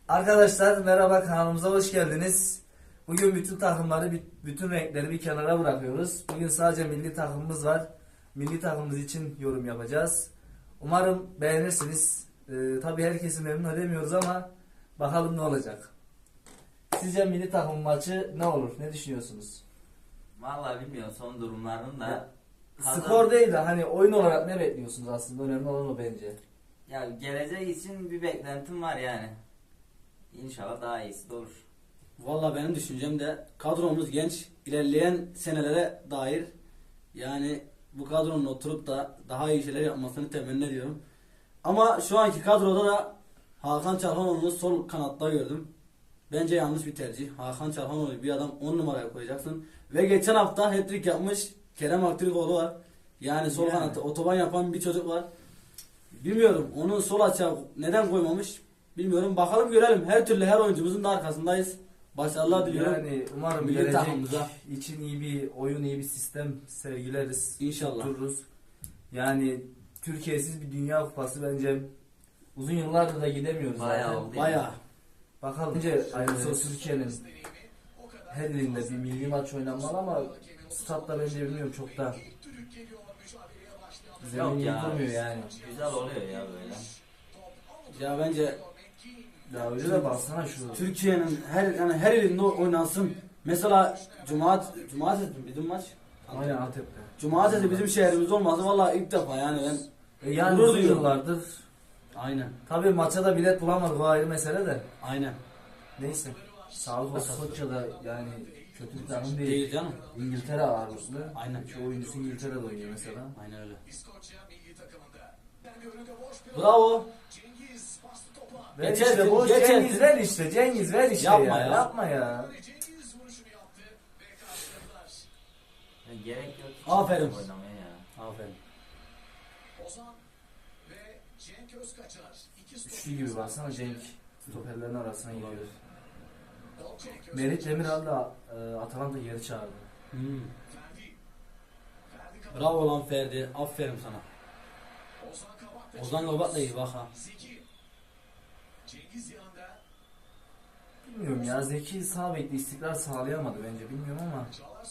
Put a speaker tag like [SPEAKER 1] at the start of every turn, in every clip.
[SPEAKER 1] Arkadaşlar merhaba, kanalımıza hoş geldiniz. Bugün bütün takımları, bütün renkleri bir kenara bırakıyoruz. Bugün sadece milli takımımız var. Milli takımımız için yorum yapacağız. Umarım beğenirsiniz. Tabii herkesi memnun edemiyoruz ama bakalım ne olacak. Sizce milli takım maçı ne olur? Ne düşünüyorsunuz?
[SPEAKER 2] Vallahi bilmiyorum son durumlarını da.
[SPEAKER 1] Skor değil de hani oyun olarak ne bekliyorsunuz aslında? Önemli olan o bence.
[SPEAKER 2] Ya gelecek için bir beklentim var yani. İnşallah daha iyisi de olur.
[SPEAKER 3] Valla benim düşüncem de kadromuz genç, ilerleyen senelere dair yani bu kadronun oturup da daha iyi şeyler yapmasını temenni ediyorum. Ama şu anki kadroda da Hakan Çalhanoğlu'nu sol kanatta gördüm. Bence yanlış bir tercih. Hakan Çalhanoğlu bir adam 10 numaraya koyacaksın. Ve geçen hafta hat-trick yapmış Kerem Aktürkoğlu var. Yani sol kanatta otoban yapan bir çocuk var. Bilmiyorum onu sol açığa neden koymamış bilmiyorum. Bakalım görelim. Her türlü her oyuncumuzun da arkasındayız. Başarılar diliyorum.
[SPEAKER 1] Yani umarım
[SPEAKER 3] Milli
[SPEAKER 1] gelecek
[SPEAKER 3] takımımıza.
[SPEAKER 1] için iyi bir oyun, iyi bir sistem sergileriz.
[SPEAKER 3] İnşallah.
[SPEAKER 1] Tuttururuz. Yani Türkiye'siz bir dünya kupası bence uzun yıllardır da gidemiyoruz
[SPEAKER 2] Bayağı
[SPEAKER 1] zaten.
[SPEAKER 2] oldu.
[SPEAKER 3] Bayağı.
[SPEAKER 1] Bakalım. Bence aynısı Türkiye'nin her ilinde bir milli maç oynanmalı ama statta bence bilmiyorum çok da zemin
[SPEAKER 2] Yok ya.
[SPEAKER 1] yıkılmıyor yani.
[SPEAKER 2] Güzel oluyor ya böyle.
[SPEAKER 3] Ya bence
[SPEAKER 1] Ya öyle de baksana şu.
[SPEAKER 3] Türkiye'nin her ilinde oynansın. Mesela cumartesi bizim maç.
[SPEAKER 1] Aynen Antep'te.
[SPEAKER 3] Cumartesi bizim şehrimizde olması vallahi ilk defa yani ben
[SPEAKER 1] Yani
[SPEAKER 3] gurur
[SPEAKER 1] uzun
[SPEAKER 3] duyuyorum.
[SPEAKER 1] yıllardır.
[SPEAKER 3] Aynen.
[SPEAKER 1] Tabii maça da bilet bulamadık, o ayrı mesele de.
[SPEAKER 3] Aynen.
[SPEAKER 1] Neyse. Sağlık olsun. Koçya'da yani kötü bir takım değil.
[SPEAKER 3] Değil canım.
[SPEAKER 1] İngiltere ağırlıklı.
[SPEAKER 3] Aynen.
[SPEAKER 1] Çoğu oyuncusu İngiltere'de oynuyor mesela.
[SPEAKER 3] Aynen öyle. Bravo.
[SPEAKER 1] Ver
[SPEAKER 3] Geçersin,
[SPEAKER 1] işte boş
[SPEAKER 3] geçersin.
[SPEAKER 1] Cengiz ver işte. Cengiz ver işte
[SPEAKER 3] Yapma
[SPEAKER 1] ya.
[SPEAKER 3] ya.
[SPEAKER 1] Yapma ya.
[SPEAKER 2] Ya gerek yok.
[SPEAKER 3] Aferin.
[SPEAKER 2] Oynamaya ya.
[SPEAKER 3] Aferin.
[SPEAKER 1] Üçlü gibi baksana Cenk. Stoperlerin arasına giriyor. Merit Demiral da Atalanta geri çağırdı.
[SPEAKER 3] Hmm. Bravo lan Ferdi. Aferin sana. Ozan Kabak da iyi bak ha.
[SPEAKER 1] Bilmiyorum ya, Zeki sağ bekle istikrar sağlayamadı bence, bilmiyorum ama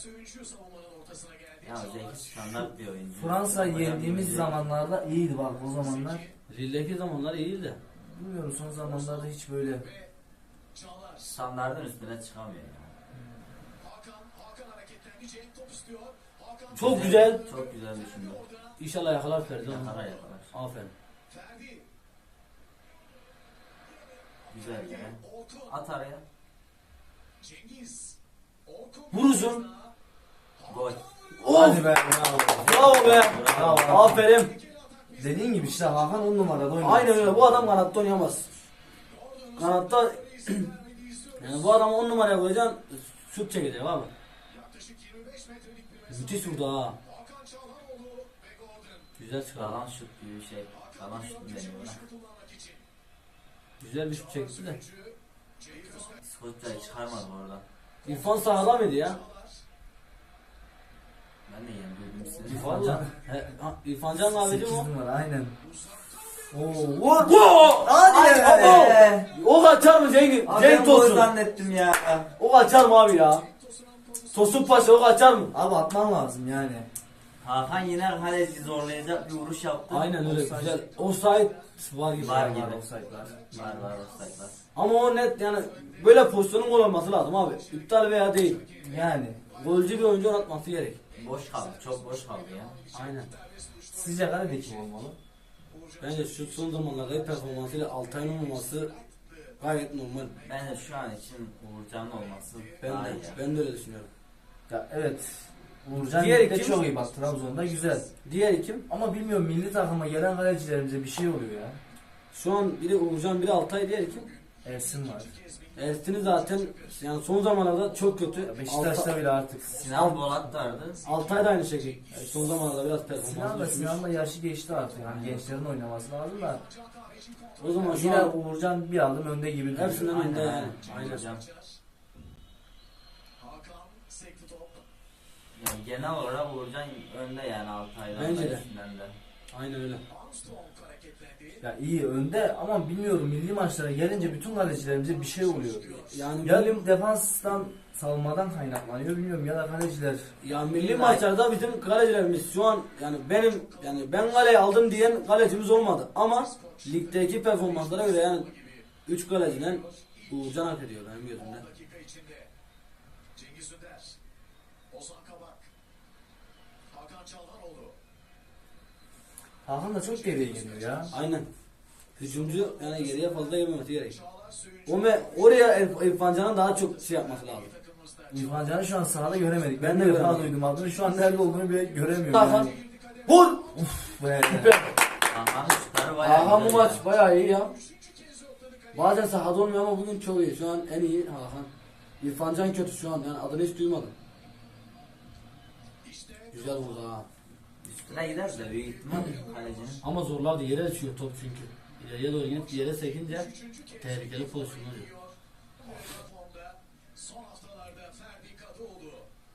[SPEAKER 2] Ya Zeki standart bir oyuncu.
[SPEAKER 1] Fransa'yı
[SPEAKER 2] Bayağı
[SPEAKER 1] yendiğimiz
[SPEAKER 2] bir-
[SPEAKER 1] zamanlarda iyiydi bak, o zamanlar.
[SPEAKER 3] Lille'deki zamanlar iyiydi de.
[SPEAKER 1] Bilmiyorum, son zamanlarda hiç böyle.
[SPEAKER 2] Standartın üstüne çıkamıyor ya.
[SPEAKER 3] Çok güzel.
[SPEAKER 2] Çok güzel düşündü.
[SPEAKER 3] İnşallah yakalar Ferdi.
[SPEAKER 2] Yakalar yakalar.
[SPEAKER 3] Aferin.
[SPEAKER 2] Güzel ya. At araya.
[SPEAKER 3] Vurursun.
[SPEAKER 2] Gol.
[SPEAKER 1] Hadi
[SPEAKER 3] Of.
[SPEAKER 1] be, bravo.
[SPEAKER 3] Bravo be.
[SPEAKER 1] Bravo.
[SPEAKER 3] Aferin.
[SPEAKER 1] Dediğin gibi işte Hakan 10 numarada oynuyor.
[SPEAKER 3] Aynen öyle. Bu adam kanatta oynayamaz. Kanatta yani bu adamı 10 numaraya koyacaksın. Şut çekecek abi. Müthiş vurdu ha. Güzel çıkardı.
[SPEAKER 2] Kalan şut gibi bir şey. Kalan şut mu deniyor ona?
[SPEAKER 3] Güzel bir şut çekti de.
[SPEAKER 2] Skoçya'yı çıkarmadı oradan.
[SPEAKER 3] İrfan sahada mıydı ya?
[SPEAKER 2] Ben de yeni duydum sizi.
[SPEAKER 1] İrfan
[SPEAKER 3] Valla. İrfan Can abicim
[SPEAKER 1] 8
[SPEAKER 3] o.
[SPEAKER 1] numara aynen. Oo, vur.
[SPEAKER 3] Go!
[SPEAKER 1] Hadi
[SPEAKER 3] Ay,
[SPEAKER 1] be.
[SPEAKER 3] O kaçar mı Cengiz? Cenk Tosun.
[SPEAKER 2] zannettim ya.
[SPEAKER 3] O kaçar mı abi ya? Tosun Paşa o kaçar mı?
[SPEAKER 1] Abi atman lazım yani.
[SPEAKER 2] Hakan yine kaleci zorlayacak bir vuruş yaptı.
[SPEAKER 3] Aynen öyle
[SPEAKER 1] Offside.
[SPEAKER 3] güzel. Offside var gibi.
[SPEAKER 2] Var
[SPEAKER 1] Var
[SPEAKER 2] gibi.
[SPEAKER 1] offside'lar.
[SPEAKER 2] Var offside'lar.
[SPEAKER 3] Ama o net yani böyle pozisyonun gol olması lazım abi. İptal veya değil.
[SPEAKER 1] Yani
[SPEAKER 3] Golcü bir oyuncu atması gerek.
[SPEAKER 2] Boş kaldı. Çok boş kaldı ya.
[SPEAKER 3] Aynen.
[SPEAKER 1] sizce kalede kim olmalı?
[SPEAKER 3] Bence şu son zamanlarda performansıyla Altay'ın olması gayet normal.
[SPEAKER 2] Bence şu an için Uğurcan'ın olması
[SPEAKER 3] Ben
[SPEAKER 2] daha
[SPEAKER 3] de,
[SPEAKER 2] iyi.
[SPEAKER 3] ben de öyle düşünüyorum.
[SPEAKER 1] Ya evet. Uğurcan
[SPEAKER 3] Diğer
[SPEAKER 1] ligde
[SPEAKER 3] kim?
[SPEAKER 1] çok iyi bak, Trabzon'da güzel.
[SPEAKER 3] Diğer kim?
[SPEAKER 1] Ama bilmiyorum, milli takıma gelen kalecilerimize bir şey oluyor ya.
[SPEAKER 3] Şu an biri Uğurcan, biri Altay, diğer kim?
[SPEAKER 1] Ersin var.
[SPEAKER 3] Ersin'i zaten yani son zamanlarda çok kötü.
[SPEAKER 1] Ya Beşiktaş'ta bile artık.
[SPEAKER 2] Sinan Bolat vardı.
[SPEAKER 3] Altay da aynı şekilde. Son zamanlarda biraz
[SPEAKER 1] Sinan
[SPEAKER 3] performansı
[SPEAKER 1] da
[SPEAKER 3] düşmüş.
[SPEAKER 1] Sinan da yaşı geçti artık. Yani gençlerin oynaması lazım da.
[SPEAKER 3] O zaman şu
[SPEAKER 1] Yine
[SPEAKER 3] an
[SPEAKER 1] Uğurcan bir adım önde gibi duruyor.
[SPEAKER 3] hepsinden önde yani. Aynen.
[SPEAKER 2] Uğurcan. Yani genel olarak Uğurcan önde yani Altay'dan
[SPEAKER 3] Bence
[SPEAKER 2] da
[SPEAKER 3] de.
[SPEAKER 2] üstünden de.
[SPEAKER 3] Aynen öyle.
[SPEAKER 1] Ya iyi önde ama bilmiyorum milli maçlara gelince bütün kalecilerimize bir şey oluyor.
[SPEAKER 3] Yani
[SPEAKER 1] Ya
[SPEAKER 3] milli,
[SPEAKER 1] defanstan savunmadan kaynaklanıyor bilmiyorum ya da kaleciler.
[SPEAKER 3] ya milli maçlarda bizim kalecilerimiz şu an yani ben kaleyi aldım diyen kalecimiz olmadı ama ligdeki performanslara göre yani 3 kaleciden Uğurcan hak ediyor benim gözümde.
[SPEAKER 4] dakika içinde. Cengiz Ünder. Ozan Kabak. Hakan Çalhanoğlu.
[SPEAKER 1] Hakan da çok geriye geliyor ya.
[SPEAKER 3] Aynen. Hücumcu yani geriye fazla gelmemesi gerek.
[SPEAKER 4] Çağlar Söyüncü.
[SPEAKER 3] Oraya İrfan Can'ın daha çok şey yapması lazım.
[SPEAKER 4] Takımımızda.
[SPEAKER 1] İrfan Can'ı şu an sahada göremedik. Ben
[SPEAKER 3] Ben
[SPEAKER 1] de
[SPEAKER 3] de
[SPEAKER 1] defa
[SPEAKER 3] göremedim.
[SPEAKER 1] duydum adını. Şu an nerede olduğunu bile göremiyorum.
[SPEAKER 3] Hakan.
[SPEAKER 1] Yani.
[SPEAKER 3] Vur!
[SPEAKER 1] Be.
[SPEAKER 2] Hakan'ın şutları bayağı
[SPEAKER 3] Hakan bu
[SPEAKER 2] güzel
[SPEAKER 3] maç
[SPEAKER 2] ya.
[SPEAKER 3] bayağı iyi ya. Bazen sahada olmuyor ama bugün çok iyi. Şu an en iyi Hakan. İrfan Can kötü şu an yani adını hiç duymadım. Güzel vurdu ha.
[SPEAKER 2] Üstüne gider de büyük ihtimal kalecinin.
[SPEAKER 3] Ama zorlardı yere düşüyor top çünkü. İleriye doğru gidip yere sekince tehlikeli pozisyon oluyor.
[SPEAKER 4] Formda son haftalarda Ferdi Kadıoğlu.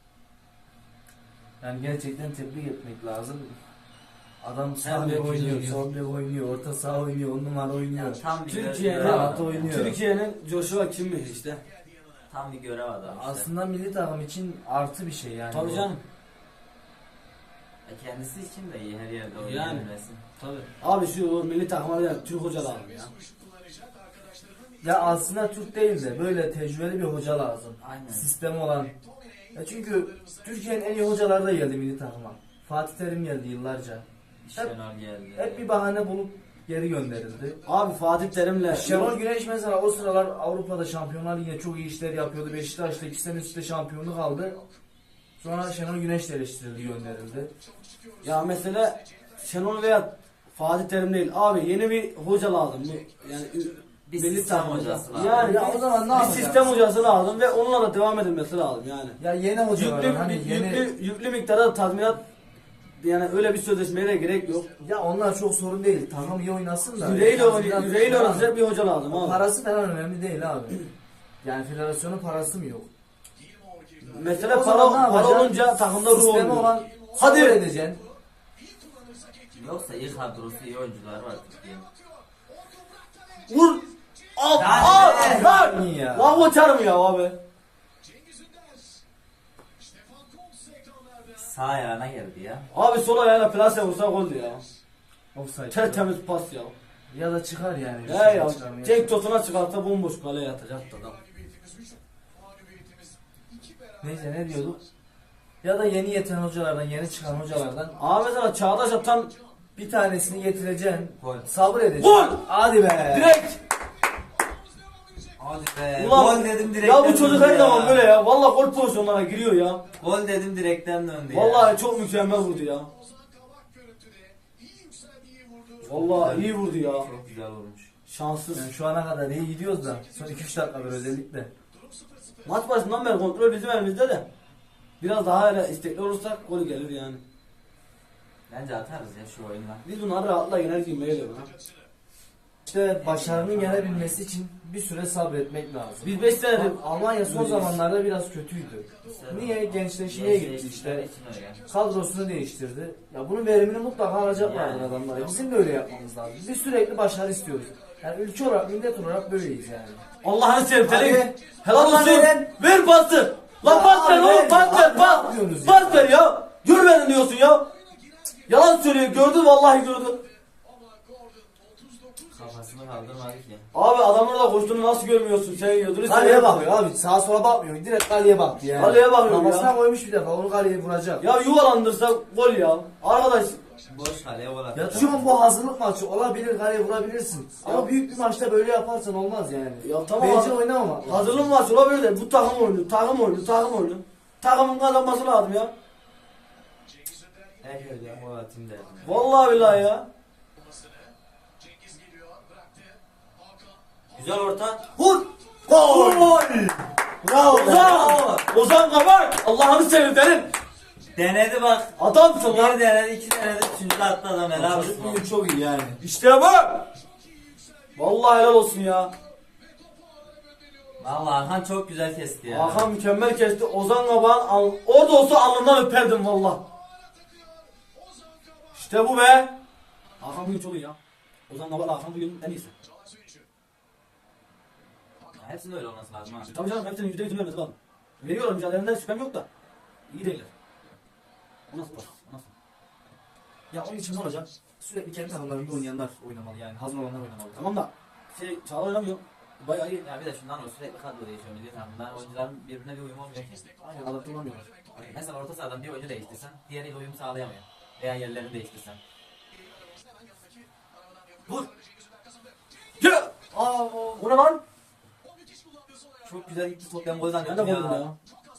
[SPEAKER 1] Yani gerçekten tebrik etmek lazım. Adam
[SPEAKER 3] Hem
[SPEAKER 1] sağ bek
[SPEAKER 3] de
[SPEAKER 1] oynuyor,
[SPEAKER 3] güzel
[SPEAKER 1] sol bek oynuyor, orta saha oynuyor, 10 numara oynuyor.
[SPEAKER 2] Ya tam bir
[SPEAKER 3] Türkiye'nin
[SPEAKER 2] görev
[SPEAKER 1] rahat
[SPEAKER 2] adamı.
[SPEAKER 1] oynuyor.
[SPEAKER 3] Türkiye'nin Joshua Kimmich işte.
[SPEAKER 2] Tam bir görev adamı işte.
[SPEAKER 1] Aslında milli takım için artı bir şey yani.
[SPEAKER 3] Tabii
[SPEAKER 1] bu.
[SPEAKER 3] canım.
[SPEAKER 2] Kendisi için de iyi her yerde
[SPEAKER 3] Yani.
[SPEAKER 2] oynayabilmesi.
[SPEAKER 3] Tabii. Abi şu milli takıma da Türk hoca lazım ya.
[SPEAKER 4] Kullanacak arkadaşlarının
[SPEAKER 1] Ya aslında Türk değil de böyle tecrübeli bir hoca lazım.
[SPEAKER 2] Aynen.
[SPEAKER 1] Sistemi olan. Ya çünkü Türkiye'nin en iyi hocaları da geldi milli takıma. Fatih Terim geldi yıllarca.
[SPEAKER 2] Şenol geldi.
[SPEAKER 1] Hep bir bahane bulup geri gönderildi.
[SPEAKER 3] Abi Fatih Terim'le
[SPEAKER 1] Şenol Güneş mesela o sıralar Avrupa'da Şampiyonlar Ligi'nde çok iyi işler yapıyordu. Beşiktaş'ta 2 sene üstte şampiyonluk aldı. Sonra Şenol Güneş de eleştirildi, gönderildi.
[SPEAKER 3] ya mesela Şenol veya Fatih Terim değil. Abi yeni bir hoca lazım. Yani
[SPEAKER 2] Bir
[SPEAKER 3] milli
[SPEAKER 2] sistem
[SPEAKER 3] takım
[SPEAKER 2] hocası lazım.
[SPEAKER 3] Yani
[SPEAKER 1] Ya o zaman ne
[SPEAKER 3] bir
[SPEAKER 1] yapacağız?
[SPEAKER 3] sistem hocası lazım ve onunla da devam edilmesi lazım yani.
[SPEAKER 1] Ya yeni hocalar
[SPEAKER 3] Yüklü,
[SPEAKER 1] hani yeni
[SPEAKER 3] yüklü miktarda tazminat yani öyle bir sözleşmeye de gerek yok.
[SPEAKER 1] ya onlar çok sorun değil. Takım iyi oynasın da.
[SPEAKER 3] Yüreğiyle oynayacak bir hoca lazım abi.
[SPEAKER 1] Parası falan önemli değil abi. Yani federasyonun parası mı yok?
[SPEAKER 3] Mesela
[SPEAKER 1] O zaman ne
[SPEAKER 3] para
[SPEAKER 1] yapacaksın?
[SPEAKER 3] olunca takımda ruh
[SPEAKER 1] Sistemi
[SPEAKER 3] olmuyor.
[SPEAKER 1] olan
[SPEAKER 3] Hadi.
[SPEAKER 1] kabul edeceksin.
[SPEAKER 2] Yoksa iyi kadrosu, iyi oyuncular var Türkiye'nin.
[SPEAKER 3] Vur! Al!
[SPEAKER 2] Yani
[SPEAKER 3] Al!
[SPEAKER 2] be.
[SPEAKER 3] Lan!
[SPEAKER 1] İyi ya.
[SPEAKER 3] Lan bu çarım ya abi.
[SPEAKER 4] Cengiz Ünder. Stefan Kuntz ekranlarda.
[SPEAKER 2] Sağ ayağına geldi ya.
[SPEAKER 3] Abi sol ayağına plase vursa goldü ya.
[SPEAKER 1] Offside.
[SPEAKER 3] Tertemiz pas ya.
[SPEAKER 1] Ya da çıkar yani.
[SPEAKER 3] Ya ya.
[SPEAKER 1] Çıkarmaya.
[SPEAKER 3] Cenk Tosun'a çıkarsa bomboş kaleye atacaktı adam.
[SPEAKER 4] Mağlubiyetimiz 3. Mağlubiyetimiz 2 beraber.
[SPEAKER 1] Neyse ne diyorduk? Ya da yeni yeten hocalardan, yeni çıkan hocalardan
[SPEAKER 3] Abi mesela Çağdaş atan
[SPEAKER 1] bir tanesini getireceksin.
[SPEAKER 2] Gol.
[SPEAKER 1] Sabır edeceksin.
[SPEAKER 3] Gol!
[SPEAKER 1] Hadi be.
[SPEAKER 3] direkt.
[SPEAKER 2] Hadi be.
[SPEAKER 3] Ulan,
[SPEAKER 2] Gol dedim direkten
[SPEAKER 3] ya bu çocuk
[SPEAKER 2] döndü
[SPEAKER 3] her
[SPEAKER 2] ya.
[SPEAKER 3] zaman böyle ya. Vallahi gol pozisyonlara giriyor ya.
[SPEAKER 2] Gol dedim direkten döndü ya.
[SPEAKER 3] Vallahi çok mükemmel vurdu ya.
[SPEAKER 4] Ozan Kabak görüntüde. İyi yükseldi, iyi vurdu.
[SPEAKER 3] Vallahi iyi vurdu ya.
[SPEAKER 2] Çok güzel vurmuş.
[SPEAKER 3] Şanssız.
[SPEAKER 1] Yani şu ana kadar iyi gidiyoruz da son 2-3 dakikadır özellikle.
[SPEAKER 3] Maç başından beri kontrol bizim elimizde de. Biraz daha öyle istekli olursak gol gelir yani.
[SPEAKER 2] Bence atarız ya şu oyunla.
[SPEAKER 3] Biz bunları rahatla yener gibi geliyor ha.
[SPEAKER 1] İşte başarının gelebilmesi için bir süre sabretmek lazım.
[SPEAKER 3] Biz 5 senedir
[SPEAKER 1] Almanya son
[SPEAKER 3] Öyleyiz.
[SPEAKER 1] zamanlarda biraz kötüydü. Niye? Gençleşmeye gitti işte. Kadrosunu değiştirdi. Ya bunun verimini mutlaka alacaklardır
[SPEAKER 2] Yani.
[SPEAKER 1] adamlar. Bizim de öyle yapmamız lazım. Biz sürekli başarı istiyoruz. Yani ülke olarak, millet olarak böyleyiz yani.
[SPEAKER 3] Allah'ını seveyim
[SPEAKER 1] Hadi.
[SPEAKER 3] Terim. Helal
[SPEAKER 1] Allah'ını
[SPEAKER 3] olsun.
[SPEAKER 1] ver.
[SPEAKER 3] Ver pası. Lan
[SPEAKER 1] Ya
[SPEAKER 3] pas ver
[SPEAKER 1] abi
[SPEAKER 3] oğlum
[SPEAKER 1] ver.
[SPEAKER 3] pas ver
[SPEAKER 1] Abi
[SPEAKER 3] pas.
[SPEAKER 1] ne yapıyorsunuz
[SPEAKER 3] Pas
[SPEAKER 1] ya?
[SPEAKER 3] ver ya. Görmedin diyorsun ya. Yalan söylüyor gördün vallahi gördün.
[SPEAKER 4] Ama Gordon 39
[SPEAKER 2] Kafasını kaldırmadı ki.
[SPEAKER 3] Abi adamlar da koştuğunu nasıl görmüyorsun sen yiyordun.
[SPEAKER 1] Kaleye bakıyor abi. Sağa sola bakmıyor. Direkt kaleye baktı yani.
[SPEAKER 3] Kaleye bakıyor
[SPEAKER 1] Kafasına
[SPEAKER 3] ya.
[SPEAKER 1] koymuş bir defa. Onu kaleye vuracak.
[SPEAKER 3] Ya yuvalandırsa gol ya. Arkadaş
[SPEAKER 2] Boş kaleye gol
[SPEAKER 1] Ya
[SPEAKER 2] atıyor.
[SPEAKER 1] şu an bu hazırlık maçı olabilir, kaleye vurabilirsin. Ama büyük bir maçta böyle yaparsan olmaz yani.
[SPEAKER 3] ya tamam
[SPEAKER 1] Bence
[SPEAKER 3] abi.
[SPEAKER 1] oynamama.
[SPEAKER 3] Hazırlık maçı olabilir de bu takım oyunu, takım oyunu, takım oyunu. Takımın kazanması lazım ya.
[SPEAKER 4] Cengiz Ünder
[SPEAKER 2] Her yerde gol atayım derdim.
[SPEAKER 3] Vallahi billahi ya.
[SPEAKER 4] yapmasını. Cengiz geliyor, bıraktı. Hakan.
[SPEAKER 2] Güzel orta.
[SPEAKER 3] Vur!
[SPEAKER 1] Gol! Bravo!
[SPEAKER 3] Ozan! Ozan Kabak! Allah'ını seveyim derim.
[SPEAKER 2] Denedi bak.
[SPEAKER 3] Adamsın lan.
[SPEAKER 2] Bir denedi, iki denedi, üçüncü de attı adam helal olsun.
[SPEAKER 1] Çocuk bugün çok iyi yani.
[SPEAKER 3] İşte bu. Vallahi helal olsun ya.
[SPEAKER 2] Vallahi Hakan çok güzel kesti ya.
[SPEAKER 3] Hakan mükemmel kesti. Ozan Kabak'ın orada olsa alnından öperdim valla. İşte bu be. Hakan bugün çok iyi ya. Ozan Kabak Hakan bugün en iyisi.
[SPEAKER 2] Hepsinin öyle olması lazım ha.
[SPEAKER 3] Tabii canım hepsinin %100'ünü vermesi lazım. Veriyorlar mücadelelerinden şüphem yok da. İyi değiller. O nasıl pas? O nasıl?
[SPEAKER 1] Ya onun için ne olacak? Sürekli kendi takımlarında oynayanlar oynamalı yani. Hazır olanlar oynamalı.
[SPEAKER 3] Tamam da Çağlar oynamıyor. Bayağı iyi.
[SPEAKER 2] Ya bir de şundan o sürekli kadro değişiyor milli takımda. Oyuncuların birbirine bir uyum olmuyor ki.
[SPEAKER 1] Aynen adapte olamıyorlar.
[SPEAKER 2] Mesela orta sahadan bir oyuncu değiştirsen diğeriyle uyum sağlayamıyor. Veya yerlerini değiştirsen.
[SPEAKER 1] Vur!
[SPEAKER 3] Ya!
[SPEAKER 1] Aa,
[SPEAKER 3] O ne lan?
[SPEAKER 1] çok güzel gitti top. Ben gol
[SPEAKER 3] Ben de
[SPEAKER 1] zannettim
[SPEAKER 3] buldum ya.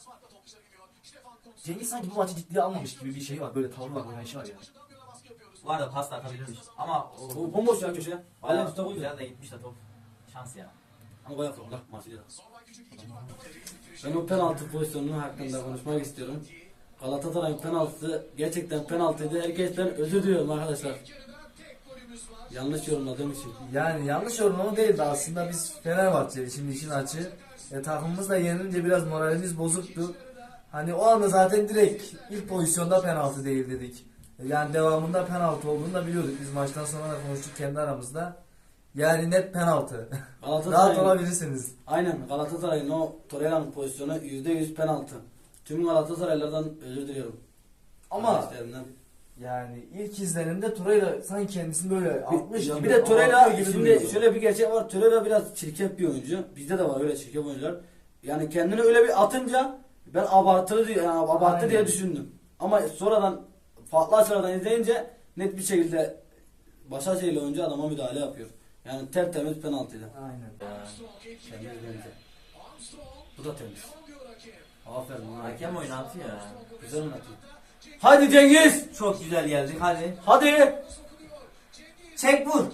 [SPEAKER 1] Cengiz sanki bu maçı ciddiye almamış gibi bir şey var. Böyle tavrı var, oynayışı var yani.
[SPEAKER 2] Bu arada pas da atabilirmiş. Ama
[SPEAKER 3] O bomboş ya köşeye. Hala
[SPEAKER 2] bayağı
[SPEAKER 3] tuta koydu.
[SPEAKER 2] güzel de gitmiş de top. Şans ya.
[SPEAKER 3] Ama bayağı zorlar Marsilya'da. Ben o penaltı pozisyonunun hakkında konuşmak istiyorum. Galatasaray'ın penaltısı gerçekten penaltıydı. Herkesten özür diliyorum arkadaşlar. Yanlış yorumladığım için.
[SPEAKER 1] Yani yanlış yorumlama değildi aslında, biz Fenerbahçeli şimdi işin açığı. Takımımız da yenilince biraz moralimiz bozuktu. Hani o anda zaten direkt ilk pozisyonda penaltı değil dedik. Yani devamında penaltı olduğunu da biliyorduk. Biz maçtan sonra da konuştuk kendi aramızda. Yani net penaltı. Rahat
[SPEAKER 3] Galatasaray'ın,
[SPEAKER 1] olabilirsiniz.
[SPEAKER 3] aynen Galatasaray'ın o Torreira'nın pozisyonu %100 penaltı. Tüm Galatasaraylılardan özür diliyorum.
[SPEAKER 1] Ama
[SPEAKER 3] Kardeşlerimden.
[SPEAKER 1] yani ilk izlenimde Torreira sanki kendisini böyle atmış gibi.
[SPEAKER 3] Bir de Torreira
[SPEAKER 1] abartıyor gibi
[SPEAKER 3] şimdi
[SPEAKER 1] duruyordu.
[SPEAKER 3] şöyle bir gerçek var. Torreira biraz çirkef bir oyuncu. Bizde de var öyle çirkef oyuncular. Yani kendini öyle bir atınca ben abartılı diye yani abarttı
[SPEAKER 1] Aynen.
[SPEAKER 3] diye düşündüm. Ama sonradan farklı açılardan izleyince net bir şekilde Başakşehirli oyuncu adama müdahale yapıyor. Yani tertemiz penaltıydı.
[SPEAKER 1] Aynen.
[SPEAKER 3] Temiz bence. Bu da temiz. Aferin lan.
[SPEAKER 2] Hakem oynatıyor ya.
[SPEAKER 3] Güzel oynatıyor. Hadi Cengiz!
[SPEAKER 2] Çok güzel geldik hadi.
[SPEAKER 3] Hadi!
[SPEAKER 2] Çek vur.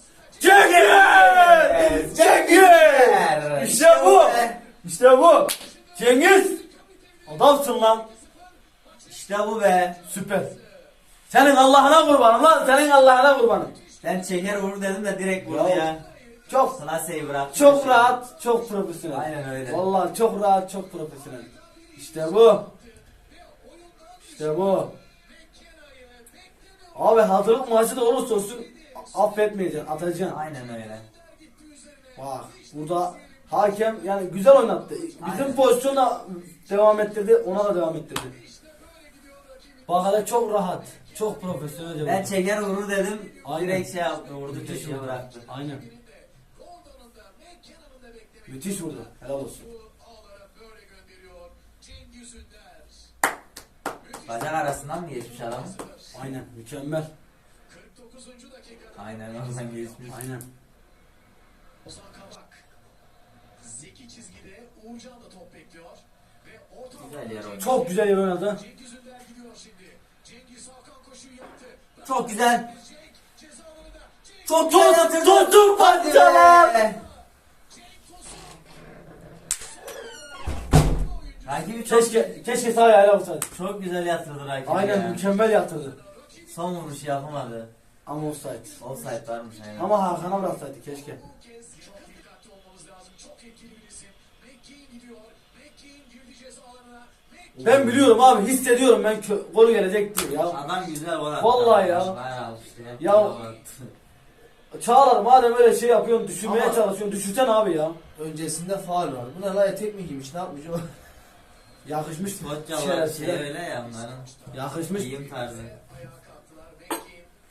[SPEAKER 3] Cengiz! Cengiz! İşte bu! İşte bu! Cengiz! Adamsın lan!
[SPEAKER 2] İşte bu be.
[SPEAKER 3] Süper! Senin Allah'ına kurbanım lan! Senin Allah'ına kurbanım!
[SPEAKER 2] Ben çeker vur dedim de direkt vurdu
[SPEAKER 3] Ya.
[SPEAKER 2] ya.
[SPEAKER 3] Çok
[SPEAKER 2] Klaseyi bırak.
[SPEAKER 3] çok rahat, çok profesyonel.
[SPEAKER 2] Aynen öyle.
[SPEAKER 3] Vallahi çok rahat, çok profesyonel. İşte bu. İşte bu. Abi hazırlık maçı da olursa olsun affetmeyeceksin, atacaksın.
[SPEAKER 2] Aynen öyle.
[SPEAKER 3] Bak burada hakem yani güzel oynattı. Bizim
[SPEAKER 2] Aynen.
[SPEAKER 3] pozisyona devam ettirdi, ona da devam ettirdi. Bak hele çok rahat, çok profesyonelce.
[SPEAKER 2] Ben
[SPEAKER 3] vurdu.
[SPEAKER 2] çeker vurur dedim.
[SPEAKER 3] Aynen.
[SPEAKER 2] Direkt şey yaptı vurdu
[SPEAKER 3] Müthiş
[SPEAKER 2] köşeye
[SPEAKER 3] vurdu.
[SPEAKER 2] bıraktı.
[SPEAKER 3] Aynen. Müthiş vurdu. Helal olsun.
[SPEAKER 2] Bacak arasından mı geçmiş adam?
[SPEAKER 3] Aynen, mükemmel.
[SPEAKER 2] Aynen oradan geçmiş.
[SPEAKER 3] Aynen.
[SPEAKER 4] Ozan Kabak. Zeki çizgide Uğurcan da top bekliyor. Ve orta
[SPEAKER 2] Güzel yer oynadı.
[SPEAKER 3] Çok güzel yer oynadı.
[SPEAKER 4] Cengiz Ünder gidiyor şimdi. Cengiz Hakan koşuyu yaptı.
[SPEAKER 2] Çok güzel.
[SPEAKER 4] Cenk ceza alanında. Cenk
[SPEAKER 2] Çok güzel yatırdı.
[SPEAKER 3] Tutun parçalar.
[SPEAKER 2] Rakibi çok,
[SPEAKER 3] Keşke sağ ayağıyla olsaydı.
[SPEAKER 2] çok güzel yatırdı rakibi
[SPEAKER 3] Aynen
[SPEAKER 2] ya.
[SPEAKER 3] mükemmel yatırdı.
[SPEAKER 2] Son vuruşu yapamadı.
[SPEAKER 3] Ama offside.
[SPEAKER 2] Offside varmış aynen.
[SPEAKER 3] Ama Hakan'a bıraksaydı keşke.
[SPEAKER 4] bu kez çok dikkatli olmamız lazım. Çok etkili bir isim. McKean gidiyor. McKean girdi ceza alanına. McKean
[SPEAKER 3] Ben biliyorum abi, hissediyorum ben gol gelecek diye ya.
[SPEAKER 2] Adam güzel gol attı.
[SPEAKER 3] Vallahi ya.
[SPEAKER 2] Bayağı işte.
[SPEAKER 3] Ya.
[SPEAKER 2] Gol attı.
[SPEAKER 3] Çağlar madem öyle şey yapıyorsun, düşürmeye
[SPEAKER 1] Ama-
[SPEAKER 3] çalışıyorsun, düşürsen abi ya.
[SPEAKER 1] Öncesinde faul var. Bu ne la, etek mi giymiş, ne yapmış o?
[SPEAKER 3] Yakışmış.
[SPEAKER 2] Koçyalar
[SPEAKER 3] Şerefsiz.
[SPEAKER 2] şey öyle ya onların.
[SPEAKER 3] Yakışmış.
[SPEAKER 2] Giyim tarzı.
[SPEAKER 4] ayağa kalktılar. McKean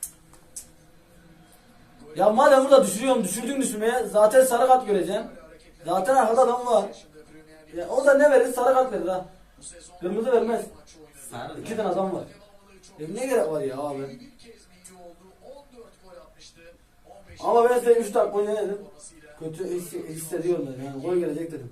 [SPEAKER 3] Ya madem burada düşürüyorum, düşürdün düşürmeye zaten sarı kart göreceksin. Zaten arkada adam var. Ya, o da ne verir? Sarı kart verir ha. Kırmızı vermez.
[SPEAKER 2] Sarı.
[SPEAKER 3] 2 tane adam var. Ne gerek var ya abi?
[SPEAKER 4] bir kez milli oldu. 14 gol atmıştı. 15
[SPEAKER 3] Ama ben size 3 dakika önce ne dedim? Kötü hissediyorum dedim. Yani gol gelecek dedim.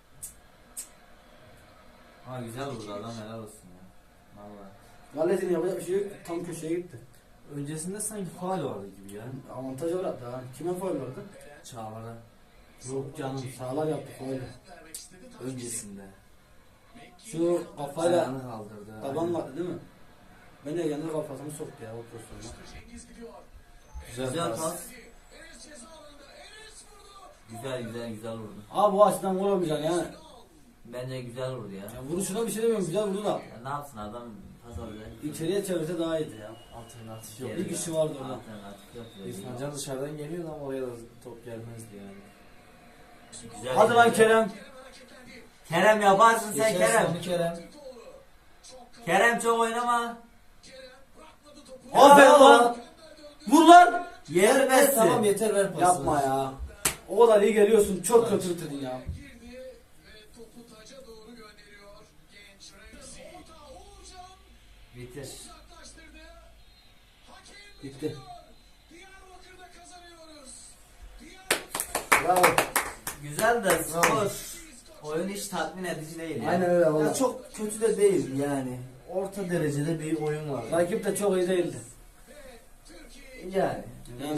[SPEAKER 2] Ama güzel vurdu adam, helal olsun ya. Vallahi.
[SPEAKER 3] Gallet'in yapacak bir şey yok. Tam köşeye gitti.
[SPEAKER 1] Öncesinde sanki faul vardı gibi ya.
[SPEAKER 3] Avantaja bıraktı ha. Kime faul vardı?
[SPEAKER 1] Çağlar'a.
[SPEAKER 3] Yok canım, sağlar yaptı faul.
[SPEAKER 1] Öncesinde.
[SPEAKER 3] Şu kafayla
[SPEAKER 1] Ayağını kaldırdı.
[SPEAKER 3] taban vardı değil mi? Ben de kendi kafasını soktu ya o pozisyonda.
[SPEAKER 4] Cengiz gidiyor.
[SPEAKER 2] Güzel pas.
[SPEAKER 4] Enes ceza alanında. Enes vurdu.
[SPEAKER 2] Güzel vurdu.
[SPEAKER 3] Abi bu açıdan gol olmayacak yani.
[SPEAKER 2] Bence güzel vurdu ya.
[SPEAKER 3] Ya vuruşuna bir şey demiyorum, güzel vurdu da.
[SPEAKER 2] Ya ne yapsın adam pas alacak.
[SPEAKER 3] İçeriye çevirse daha iyiydi ya.
[SPEAKER 1] Alternatif yok.
[SPEAKER 2] Yok.
[SPEAKER 3] Bir kişi vardı orada.
[SPEAKER 2] Alternatif yok dedi.
[SPEAKER 1] İrfan Can dışarıdan geliyordu ama oraya da top gelmezdi yani.
[SPEAKER 2] Güzel
[SPEAKER 3] Hadi lan
[SPEAKER 2] yani.
[SPEAKER 3] Kerem.
[SPEAKER 2] Kerem yaparsın sen
[SPEAKER 1] Geçen
[SPEAKER 2] Kerem.
[SPEAKER 1] sonu Kerem.
[SPEAKER 2] Kerem çok oynama.
[SPEAKER 3] Aferin lan. Vur lan.
[SPEAKER 2] Yer Messi.
[SPEAKER 1] Tamam yeter ver pasını.
[SPEAKER 3] Yapma ya. O kadar iyi geliyorsun. Çok kötü bitirdin ya.
[SPEAKER 4] Girdi ve topu taca doğru gönderiyor. Genç Remzi. Orta Uğurcan
[SPEAKER 2] Bitir.
[SPEAKER 4] uzaklaştırdı. Hakem
[SPEAKER 3] Bitti.
[SPEAKER 4] Diyarbakır'da kazanıyoruz.
[SPEAKER 3] Bravo.
[SPEAKER 2] Güzel de skor. Oyun hiç tatmin edici değil ya.
[SPEAKER 3] Aynen öyle
[SPEAKER 1] Ya
[SPEAKER 3] valla.
[SPEAKER 1] çok kötü de değil yani. Orta derecede bir oyun var.
[SPEAKER 3] Rakip de çok iyi değildi.
[SPEAKER 1] Yani.
[SPEAKER 3] Yani